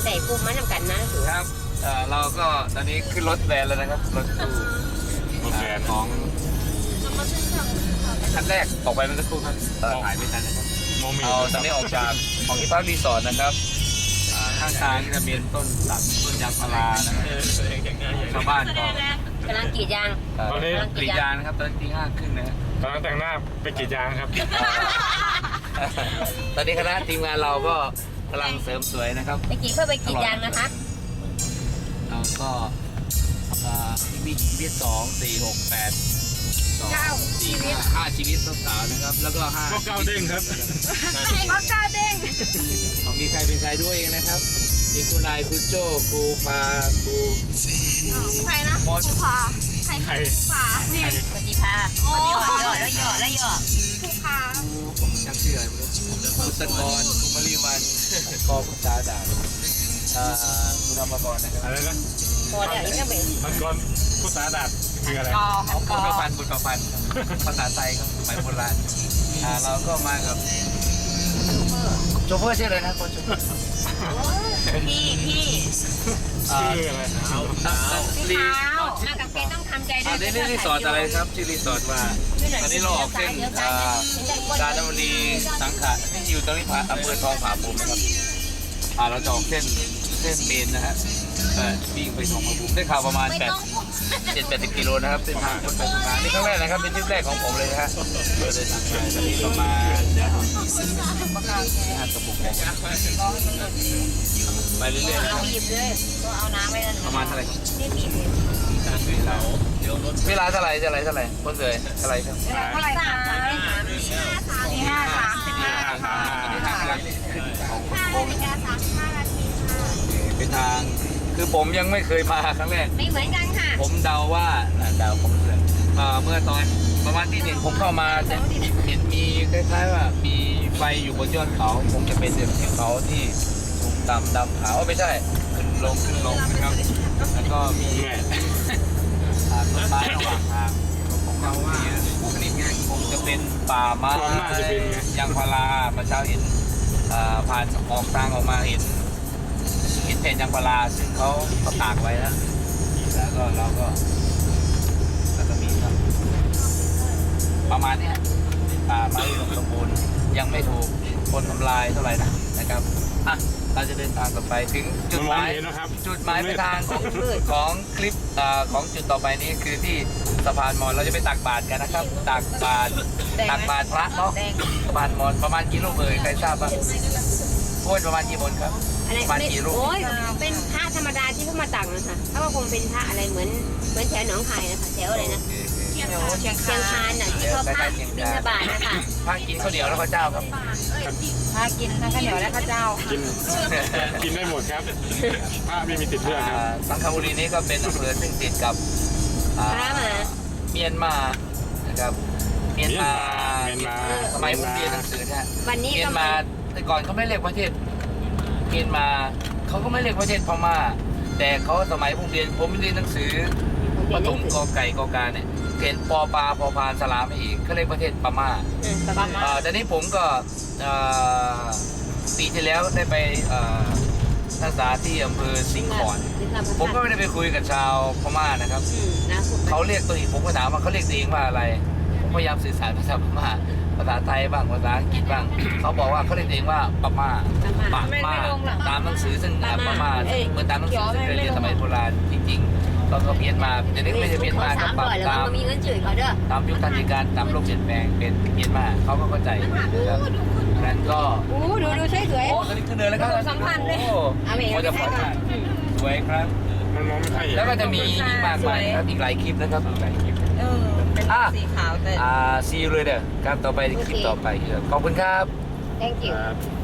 ใส่ปุ่มมันนำกันนะครับเราก็ตอนนี้ขึ้นรถแวนแล้วนะครับรถตู้ของคันแรกออกไปเมื่อสักครู่ครับถ่ายไม่ทันนะครับเอาตอนนี้ออกจากของที่พักรีสอร์ทนะครับข้างทางจะเป็นต้นสักต้นยางพารานะครับชาวบ้านก็กำลังกรีดยางกรีดยางนะครับตอนตี 5 ครึ่งนะครับตอนนั้นแต่งหน้าไปกรีดยางครับตอนนี้คณะทีมงานเราก็กำลังเสริมสวยนะครับไปกรีดเพื่อไปกรีดยางนะคะเราก็มีชีวิต2 4 6 8 2 4 5ชีวิตสาวๆนะครับแล้วก็5 ก็ก้าวเด้งครับก็ก้าวเด้งของมีใครเป็นใครด้วยเองนะครับมีครูนายครูโจ้ครูปาครูใครนะมอสพาใครใครพานี่ปฏิภาโอ้ยแล้วหยอครูพาจังเชื่อครูสกรครูมริวันกอพุทธาดาคุณธรรมกรนะครับอะไรนะพอแล้วนี่ก็เป็นมันก่อนผู้สาดัดคืออะไรบุญประพันธ์ภาษาไทยครับสมัยโบราณเราก็มากับโชเฟอร์ชื่ออะไรนะคนโชเฟอร์พี่ชื่ออะไรรีมากับเกต้องทำใจด้วยนี่รีสอร์ทอะไรครับชื่อรีสอร์ทว่าตอนนี้เราออกเส้นกาญจนบุรีสังขะที่อยู่ตรงนี้อำเภอทองผาภูมินะครับเราจะออกเส้นเมนนะฮะวิ่งไปทองผาภูมิได้ข่าวประมาณ7-80 กิโลนะครับเส้นทางคนไปทำงานนี่ครั้งแรกนะครับเป็นทริปแรกของผมเลยนะฮะเราเดินทางไปตอนนี้ประมาณ5 กระปุกไปเรื่อยๆนะครับบีบเลยก็เอาน้ำไว้แล้วประมาณเท่าไหร่ครับนี่บีบเวลาเท่าไหร่คนเสยเท่าไหร่ครับเท่าไหร่คะเป็นทางคือผมยังไม่เคยมาครั้งแรกไม่เหมือนกันค่ะผมเดาว่าเดาผมเมื่อตอนประมาณที่ 1ผมเข้ามาจะเห็นมีคล้ายๆว่ามีไฟอยู่บนยอดเขาคงจะเป็นเขาที่สูงต่ำดำขาวไม่ใช่ขึ้นลงนะครับแล้วก็มีต้นไม้ระหว่างทางผมเดาว่าชนิดนี้คงจะเป็นป่าไม้ยางพาราประชาเห็นผ่านออกทางออกมาเห็นแผ่นยางพาราซึ่งเขาตากไว้แล้วก็เราก็มีครับประมาณนี้ป่าไม้สมบูรณ์ยังไม่ถูกคนทำลายเท่าไหร่นะครับเราจะเดินทางต่อไปถึงจุดหมายปลายทางของคลิปของจุดต่อไปนี้คือที่สะพานมอญเราจะไปตักบาตรกันนะครับตักบาตรพระเนาะสะพานมอญประมาณกี่รูปใครทราบบ้างพูดประมาณกี่มนครับประมาณกี่รูปโอ้ยเป็นพระธรรมดาที่เขามาตักนะคะถ้าว่าคงเป็นพระอะไรเหมือนแถวหนองคายนะคะแถวอะไรนะเชียงคานน่ะที่เขาพระบิณฑบาตนะคะพระกินข้าวเหนียวแล้วข้าวเจ้าครับพระกินทั้งข้าวเหนียวและข้าวเจ้ากินได้หมดครับผ้าไม่มีติดเลือดครับสังขบุรีนี้ก็เป็นอำเภอซึ่งติดกับพระมาเมียนมานะครับเมียนมาสมัยผมเรียนหนังสือเนี่ยวันนี้เมียก็นมาแต่ก่อนเขาไม่เรียกประเทศเมียนมาเขาก็ไม่เรียกประเทศพม่าแต่เขาสมัยผมเรียนหนังสือปฐมกอไก่กอกาเนี่ยเขียนปอปลาพอพานสลามอีกเขาเรียกประเทศพม่าแต่นี้ผมก็ปีที่แล้วได้ไปศึกษาที่อำเภอสิงห์ขอนผมก็ไม่ได้ไปคุยกับชาวพม่านะครับเขาเรียกตัวเองผมก็ถามว่าเขาเรียกตัวเองว่าอะไรผมพยายามสื่อสารภาษาพม่าภาษาไทยบ้างภาษาอังกฤษบ้างเขาบอกว่าเขาเรียกตัวเองว่าพม่าตามหนังสือซึ่งพม่าเหมือนตามหนังสือซึ่งเคยเรียนสมัยโบราณจริงๆตอนเขาเพี้ยนมาเดี๋ยวนี้ไม่ใช่เพี้ยนมาก็ปรับตามยุคทันทีการตามโลกเปลี่ยนแปลงเป็นเพี้ยนมาเขาก็เข้าใจนะครับนั้นก็ดูสวยโอ้ตอนนี้ขึ้นเนินแล้วครับสัมพันธ์เลยโอ้จะฝันสวยครับมันมองไม่ค่อยเห็นแล้วก็จะมีอีกมากมายครับอีกหลายคลิปนะครับอีกหลายคลิปเป็นสีขาวแต่ซีเลยเด้อครับต่อไปคลิปต่อไปขอบคุณครับ thank you ครับ